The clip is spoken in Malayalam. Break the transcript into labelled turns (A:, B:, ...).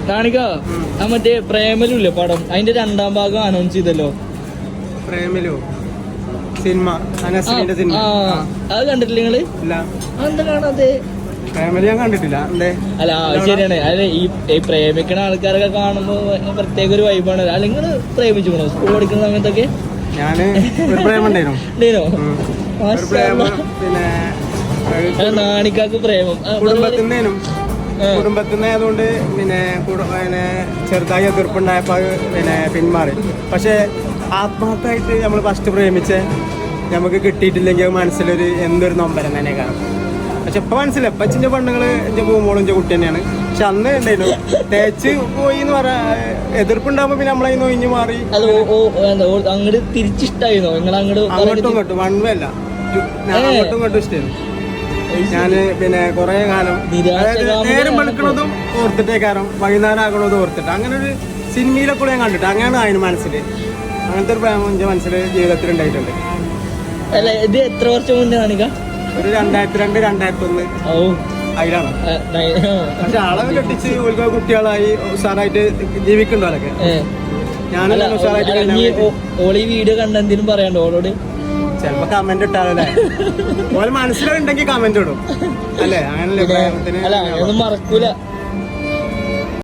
A: കാണിക്ക മറ്റേ പ്രേമലുല്ലേ പടം, അതിന്റെ 2ാം ഭാഗം അനൗൺസ് ചെയ്തല്ലോ.
B: പ്രേമലു സിനിമ, സിനിമ
A: അത് കണ്ടിട്ടില്ല നിങ്ങള്? എന്താ കാണാതെ?
B: പ്രേമലു ഞാൻ കണ്ടിട്ടില്ല.
A: അല്ല ശരിയാണ്. അല്ലെ ഈ പ്രേമിക്കണ ആൾക്കാരൊക്കെ കാണുമ്പോ പ്രത്യേക ഒരു വൈബാണ്. അല്ലെങ്കിൽ പ്രേമിച്ചുക്കണോ സ്കൂൾ പഠിക്കുന്ന സമയത്തൊക്കെ?
B: ഞാന്
A: ഉണ്ടേനോ?
B: പിന്നെ
A: നാണിക്കാക്ക് പ്രേമം
B: കുടുംബത്തിനായതുകൊണ്ട് പിന്നെ ചെറുതായി എതിർപ്പുണ്ടായപ്പോ പിന്നെ പിന്മാറി. പക്ഷെ ആത്മാർത്ഥമായിട്ട് നമ്മൾ ഫസ്റ്റ് പ്രേമിച്ച് നമുക്ക് കിട്ടിയിട്ടില്ലെങ്കിൽ മനസ്സിലൊരു എന്തൊരു നൊമ്പരം തന്നെ കാണും. പക്ഷെ ഇപ്പൊ മനസ്സിലായി, ഇപ്പൊ അച്ഛൻ്റെ പെണ്ണുങ്ങള് എന്റെ പൂമോളും എന്റെ കുട്ടി തന്നെയാണ്. പക്ഷെ അന്ന് ഉണ്ടായിരുന്നു തേച്ച് പോയി എന്ന് പറയാ, എതിർപ്പുണ്ടാകുമ്പോ പിന്നെ നമ്മളതിന് ഒഴിഞ്ഞു മാറി.
A: അങ്ങോട്ട് തിരിച്ചിഷ്ടായിരുന്നോ?
B: അങ്ങോട്ടും ഇങ്ങോട്ടും വൺ വേ അല്ല, അങ്ങോട്ടും ഇങ്ങോട്ടും ഇഷ്ടമായിരുന്നു. ഞാന് പിന്നെ കൊറേ കാലം നേരം വെളുക്കണതും ഓർത്തിട്ടേക്കാരം, വൈകുന്നേരം ആകണതും ഓർത്തിട്ട്, അങ്ങനെ ഒരു സിനിമയിലൊക്കെ ഞാൻ കണ്ടിട്ട് അങ്ങനെയാണ് അതിന് മനസ്സില്. അങ്ങനത്തെ ഒരു പ്രേമം എന്റെ മനസ്സില് ജീവിതത്തിൽ ഉണ്ടായിട്ടുണ്ട്.
A: ഇത് എത്ര വർഷം മുന്നേ കാണിക്ക?
B: ഒരു 2002, 2001 അതിലാണ്. പക്ഷെ ആളെ കെട്ടിച്ച് കുട്ടികളായി ഉഷാറായിട്ട് ജീവിക്കണ്ടോലൊക്കെ. ഞാനും ഉഷാറായിട്ട്.
A: ഓളി വീഡിയോ കണ്ടെന്തിനും പറയാണ്ടോ ഓളോട്?
B: ചിലപ്പോ കമന്റ് ഇട്ടാലല്ലേ, ഓലെ മനസ്സിലുണ്ടെങ്കിൽ കമന്റ് ഇടും അല്ലേ? അങ്ങനല്ലേ പ്രേമത്തിന്?
A: അല്ല ഒന്നും മറക്കൂല.